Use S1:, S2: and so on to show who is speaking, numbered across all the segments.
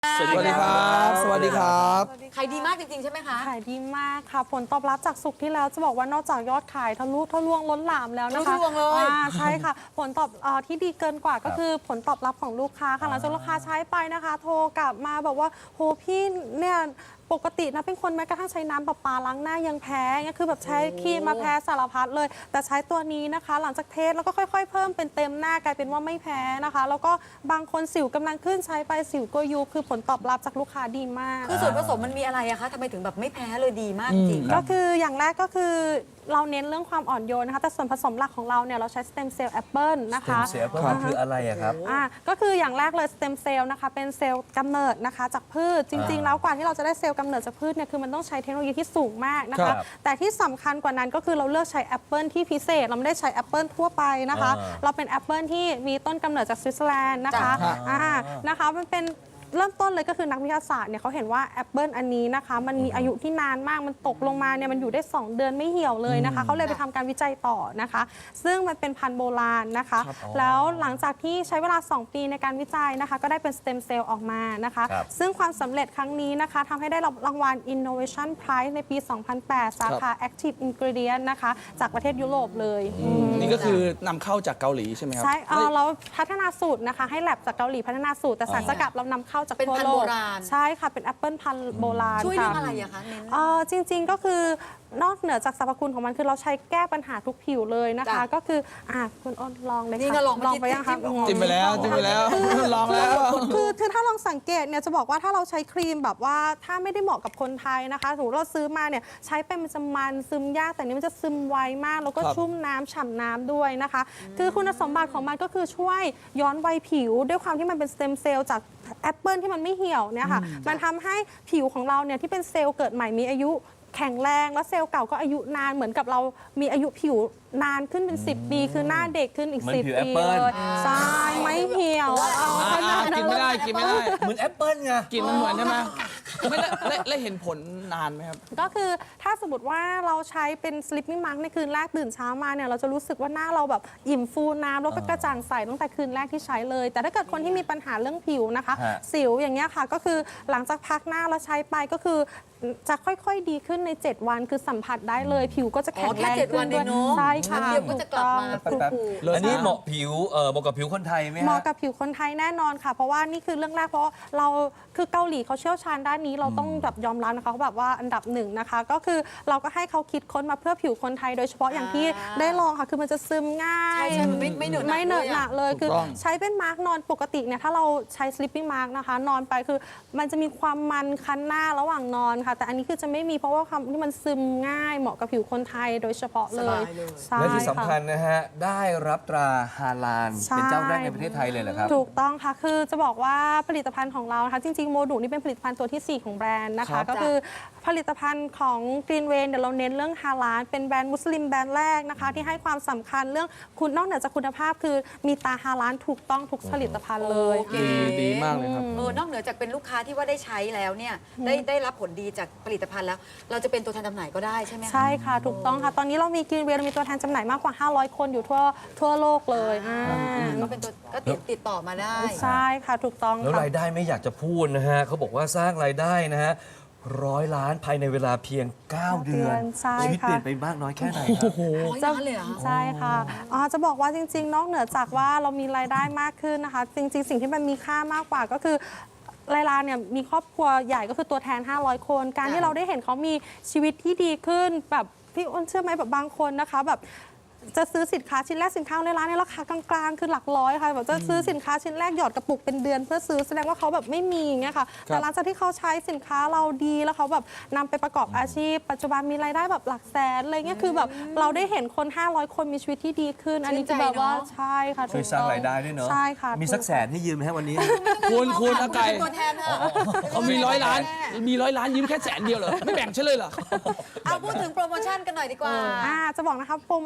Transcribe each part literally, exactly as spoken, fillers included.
S1: สวัสดีครับ สวัสดีครับ
S2: ขายดีมากจริงๆใช่ไหมคะ
S3: ขายดีมากค่ะผลตอบรับจากสุกที่แล้วจะบอกว่านอกจากยอดขายทะลุทะลวงล้นหลามแล้วนะคะ
S2: ทะลุทะลวงเลย
S3: อ่าใช่ค่ะผลตอบเออที่ดีเกินกว่าก็คือผลตอบรับของลูกค้าค่ะหลังจากลูกค้าใช้ไปนะคะ โทรกลับมาบอกว่าโหพี่เนี่ยปกตินะเป็นคนแม้กระทั่งใช้น้ำประปาล้างหน้ายังแพ้เนี่ยคือแบบใช้ครีมมาแพ้สารพัดเลย แต่ใช้ตัวนี้นะคะ หลังจากเทสแล้วก็ค่อย ๆ เพิ่มเป็นเต็มหน้ากลายเป็นว่าไม่แพ้นะคะ แล้วก็บางคนสิวกำลังขึ้นใช้ไปสิวก็ยุบคือผลตอบรับจากลูกค้าดีมาก
S2: คือส่วนผสมมันมีอะไรอะคะทำไมถึงแบบไม่แพ้เลยดีมากจริง
S3: ก็คืออย่างแรกก็คือเราเน้นเรื่องความอ่อนโยนนะคะแต่ส่วนผสมหลักของเราเนี่ยเราใช้สเต็มเซลล์แอปเปิลนะ
S4: เต็
S3: คะ
S4: มเซลล์เพิ่มมันคืออะไรอะครับ
S3: อ่าก็คืออย่างแรกเลยสเต็มเซลล์นะคะเป็นเซลล์กำเนิดนะคะจากพืชจริง ๆ แล้วกว่าที่เราจะได้เซลล์กำเนิดจากพืชเนี่ยคือมันต้องใช้เทคโนโลยีที่สูงมากนะ
S4: ครั
S3: คะ
S4: บ
S3: แต่ที่สำคัญกว่านั้นก็คือเราเลือกใช้แอปเปิลที่พิเศษเราไม่ได้ใช้แอปเปิลทั่วไปนะคะ
S4: อ่า
S3: เราเป็นแอปเปิลที่มีต้นกำเนิดจากสวิตเซอร์แลนด์นะคะ
S1: จ้ะ
S3: อ่านะคะมันเป็นเริ่มต้นเลยก็คือนักวิทยาศาสตร์เนี่ยเขาเห็นว่าแอปเปิลอันนี้นะคะมันมีอายุที่นานมากมันตกลงมาเนี่ยมันอยู่ได้ สอง เดือนไม่เหี่ยวเลยนะคะเขาเลยไปทำการวิจัยต่อนะคะ ซึ่งมันเป็นพันธุ์โบราณนะคะ แล้วหลังจากที่ใช้เวลา สอง ปีในการวิจัยนะคะก็ได้เป็นสเต็มเซลล์ออกมานะคะ
S4: ครับ
S3: ซึ่งความสำเร็จครั้งนี้นะคะทำให้ได้รับรางวัล Innovation Prize ในปี สองพันแปด สาขา Active Ingredient นะคะจากประเทศยุโรปเลยอืม
S1: นี่ก็คือนำเข้าจากเกาหลีใช่ไหมครับ
S3: ใช่เอ่อเราพัฒนาสูตรนะคะให้แลบจากเกาหลีพัฒนาสูตรแต่สารสกัดเรานำเข้าจาก
S2: เป็น
S3: ทั่ว
S2: พันธุ์
S3: โล
S2: โบ
S3: ก
S2: ราณ
S3: ใช่ค่ะเป็นแอปเปิลพันธุ์โบราณ
S2: ช่วย
S3: ค่ะ
S2: เรื่องอะไรอะคะเน้น
S3: เอ่อจริงๆก็คือนอกเหนือจากสรรพคุณของมันคือเราใช้แก้ปัญหาทุกผิวเลยนะคะ
S2: จ้ะ
S3: ก็คืออ่ะคุณอ้นลองเลย
S2: นี่
S3: ค่ะ
S2: ก็ลอง
S3: ลองไปยังคะ
S2: จิ้ม
S1: จิ้มไปแล้วจิ้มไปแล้วลองแล้ว
S3: คือคือถ้าลองสังเกตเนี่ยจะบอกว่าถ้าเราใช้ครีมแบบว่าถ้าไม่ได้เหมาะกับคนไทยนะคะสมมติเราซื้อมาเนี่ยใช้ไปมันจะมันซึมยากแต่นี้มันจะซึมไวมากแล้วก็
S1: ครับ
S3: ชุ่มน้ำฉ่ำน้ำด้วยนะคะ คือคุณสมบัติของมันก็คือช่วยย้อนวัยผิว ด้วยความที่มันเป็นสเต็มเซลล์จากแอปเปิลที่มันไม่เหี่ยวเนี่ยค่ะมันทำให้ผิวของเราเนี่ยที่เป็นเซลล์เกิดใหม่มีอายุแข็งแรงแล้วเซลล์เก่าก็อายุนานเหมือนกับเรามีอายุผิวนานขึ้นเป็น สิบ ปี คือหน้าเด็กขึ้นอีก
S4: เหมือน
S3: สิบ
S4: ผิวแอ
S3: ปี
S4: ปเปิ้ล
S3: เลยใช่ไม่เหี่ยวเอา
S1: อ่า
S3: ขนาด
S1: กินไม่ได้กินไม่ได้
S4: เหมือนแอปเปิ้ลไง
S1: กินมันเหมือนใช่ไหมไม่ได้และและเห็นผลนานไหมครับ
S3: ก็คือถ้าสมมติว่าเราใช้เป็น sleeping mask ในคืนแรกตื่นเช้ามาเนี่ยเราจะรู้สึกว่าหน้าเราแบบอิ่มฟูน้ำแล้วก็กระจ่างใสตั้งแต่คืนแรกที่ใช้เลย แต่ถ้าเกิดคนที่มีปัญหาเรื่องผิวนะคะ
S4: ฮะ
S3: สิวอย่างเงี้ยค่ะก็คือหลังจากพักหน้าแล้วใช้ไปก็คือจะค่อยๆดีขึ้นใน เจ็ด วันคือสัมผัสได้เลย ผิวก็จะแข็งแรง
S2: อ๋อแค่เจ็ด
S3: ขึ้
S2: วัน
S3: น
S2: เอ
S3: ด้วย
S2: งเนอะ
S3: ใช่ค่ะ
S2: เดี๋ยวก็จะกลับมา
S3: ถูก
S4: แป๊บ
S3: ต้อง
S4: ๆอันนี้เหมาะผิวเอ่อเหมาะกับผิวคนไทยไหม
S3: เหมาะ
S4: ฮะ
S3: กับผิวคนไทยแน่นอนค่ะ เพราะว่านี่คือเรื่องแรกเพราะเราคือเกาหลีเขาเชี่ยวชาญด้านนี้เราต้องแบบยอมรับนะคะเขาแบบว่าอันดับหนึ่งนะคะ ก็คือเราก็ให้เขาคิดค้นมาเพื่อผิวคนไทย โดยเฉพาะอย่างที่
S2: อ่า
S3: ได้ลองค่ะคือมันจะซึมง่าย
S2: ใช่ใช่มันไม่ไม่เหนอะหนะ
S3: ไม่เหนอะหนะเลย
S1: ถู
S3: คื
S1: ก
S3: อ
S1: ต้อง
S3: ใช้เป็นมาร์กนอนปกติเนี่ยถ้าเราใช้ sleeping mask นะคะนอนไปคือมันจะมีความมันคันหน้าระหว่างนอนค่ะ แต่อันนี้คือจะไม่มีเพราะว่าความที่มันซึมง่ายเหมาะกับผิวคนไทยโดยเฉพาะเลย
S2: สบายเลย
S3: ใช่
S4: และที่สำคัญ
S3: ะ
S4: นะฮะ ได้รับตราฮาลาล
S3: ใช่
S4: เป็นเจ้าแรกในประเทศไทยเลยเหรอครับ
S3: ถูกต้องค่ะ คือจะบอกว่าผลิตภัณฑ์ของเรานะคะ จริงๆ โมดูนี่เป็นผลิตภัณฑ์ตัวที่ สี่ ของแบรนด์นะ
S1: ครั
S3: คะ
S1: บ
S3: ก็คือผลิตภัณฑ์ของ Green Way เดี๋ยวเราเน้นเรื่องฮาลาลเป็นแบรนด์มุสลิมแบรนด์แรกนะคะ ที่ให้ความสำคัญเรื่องคุณนอกเหนือจากคุณภาพ คือมีตาฮาลาลถูกต้องทุกผลิตภัณฑ์เลย
S2: โอเค
S1: ดีดีมากเลยครับ
S2: เออนอกเหนือจากเป็นลูกค้าที่ว่าได้ใช้แล้วเนี่ยได้ได้รับผลดีจากผลิตภัณฑ์แล้ว เราจะเป็นตัวแทนจำหน่ายก็ได้ใช่ไหมคะ
S3: ใช่ค่ะ ถูกต้องค่ะ ตอนนี้เรามี Green Way เรามีตัวแทนจำหน่ายมากกว่า ห้าร้อย คนอยู่ทั่วทั่วโลกเลยอ่า
S2: ก็เป็นตัวก็ติดติดต่อมาได้
S3: ใช่ค่ะ ถูกต้อง
S4: แล้ว
S3: ค่ะ
S4: รายได้ไม่อยากจะพูดนะฮะเขาบอกว่าสร้างรายได้นะฮะร้อยล้านภายในเวลาเพียง เก้า เดือน
S3: ใช่
S4: ชีวิต
S3: ค่ะ
S4: เปลี่ยนไปมากน้อยแค่ไหนครับ
S2: ร้อยล้านเลยเหรอคะ
S3: ใช่ค่ะอ๋อจะบอกว่าจริง ๆ นอกเหนือจากว่าเรามีรายได้มากขึ้นนะคะ จริง ๆ สิ่งที่มันมีค่ามากกว่าก็คือไลลาเนี่ยมีครอบครัวใหญ่ก็คือตัวแทน ห้าร้อย คน การที่เราได้เห็นเขามีชีวิตที่ดีขึ้นแบบพี่อ้นเชื่อไหมแบบบางคนนะคะแบบจะซื้อสินค้าชิ้นแรกสินค้าในร้านเนี่ยราคากลางๆ คือหลักร้อยค่ะแบบจะซื้อสินค้าชิ้นแรกหยอดกระปุกเป็นเดือนเพื่อซื้อแสดงว่าเขาแบบไม่มีอย่างเงี้ยค่ะแต่หลังจากที่เขาใช้สินค้าเราดีแล้วเขาแบบนำไปประกอบอาชีพ ปัจจุบันมีรายได้แบบหลักแสนอะไรเงี้ยคือแบบเราได้เห็นคน ห้าร้อย คนมีชีวิตที่ดีขึ้น อันนี้คือแบบว่าใช่ค่ะ
S4: ช่วยสร้างรายได้ด้วยเนาะ
S3: ใช่ค่ะ
S4: มีสักแสนให้ยืมไหมฮะวันนี้
S1: คุณคุณอาไก่
S2: เป็นตัวแทนเถอะ
S1: เขามีร้อยล้าน มีร้อยล้านยืมแค่แสนเดียวเหรอ ไม่แบ่งฉันเลยเหรอ
S2: เอาพูดถึงโปรโมชั่นกันหน่อยดีกว่า
S3: อ่าจะบอกนะคะโปรโมชั่นคราว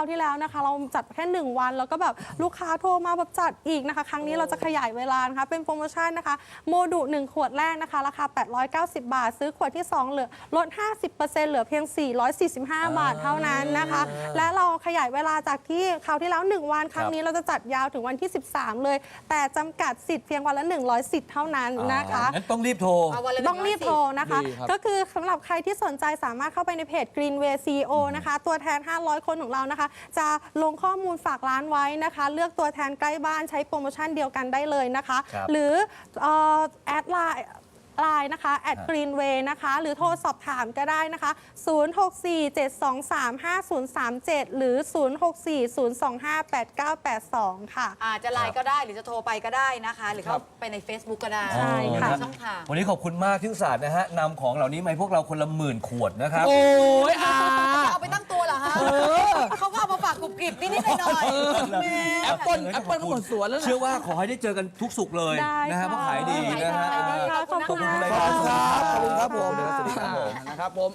S3: าวที่แล้วนะคะ เราจัดแค่หนึ่งวันแล้วก็แบบลูกค้าโทรมาแบบจัดอีกนะคะ ครั้งนี้เราจะขยายเวลานะคะเป็นโปรโมชั่นนะคะโมดุหนึ่งขวดแรกนะคะราคาแปดร้อยเก้าสิบบาทซื้อขวดที่สองเหลือลด ห้าสิบเปอร์เซ็นต์ เหลือเพียง สี่ร้อยสี่สิบห้า บาทเท่านั้นนะคะ และเราขยายเวลาจากที่คราวที่แล้วหนึ่งวันครั้งนี้เราจะจัดยาวถึงวันที่สิบสามเลย แต่จำกัดสิทธิ์เพียงวันละหนึ่งร้อยสิทธิ์เท่านั้นนะคะ
S4: งั้นต้องรีบโทร
S2: เอาวันละ
S3: ต้องรีบโทรนะคะ
S1: ดีครับ
S3: ก็คือสำหรับใครที่สนใจสามารถเข้าไปในเพจ Greenway ซี อี โอ นะคะ ตัวแทน ห้าร้อย คนของเรานะคะ จะลงข้อมูลฝากร้านไว้นะคะ เลือกตัวแทนใกล้บ้านใช้โปรโมชั่นเดียวกันได้เลยนะคะ
S4: ครับ
S3: หรือเอ่อแอดไลน์ไลน์นะคะ at greenway นะคะ หรือโทรสอบถามก็ได้นะคะ ศูนย์ หก สี่ เจ็ด สอง สาม ห้า ศูนย์ สาม เจ็ด หรือ ศูนย์ หก สี่ ศูนย์ สอง ห้า แปด เก้า แปด สอง ค่ะ
S2: อาจจะไลน์ก็ได้หรือจะโทรไปก็ได้นะคะ หรือเข้าไปใน Facebook ก็ได้
S3: ใช่ค่ะ
S2: ช่องทาง
S4: วันนี้ขอบคุณมากที่อุตส่าห์นะฮะนำของเหล่านี้มาให้พวกเราคนละหมื่นขวดนะครับ
S1: โอ้ยอา
S2: จะเอาไปตั้งตัวเหรอฮะเขาก็เอามาฝากกรุบกริบนิดๆหน่อยๆแหม
S1: แอปเปิ้ลแอปเปิ้ลก็หมดสวนแล้วนะ
S4: เชื่อว่าขอให้ได้เจอกันทุกสุขเลย
S3: ได้
S4: นะฮะ
S3: ค่ะ
S4: เพราะขายดีนะฮะ
S2: ขายดี
S3: ขอบคุณ
S4: ขอบคุณ
S3: นะ
S4: ราย
S3: คะ
S4: การ
S1: ขอบคุณครับผม
S4: สวัสดีครับผม
S1: นะครับผม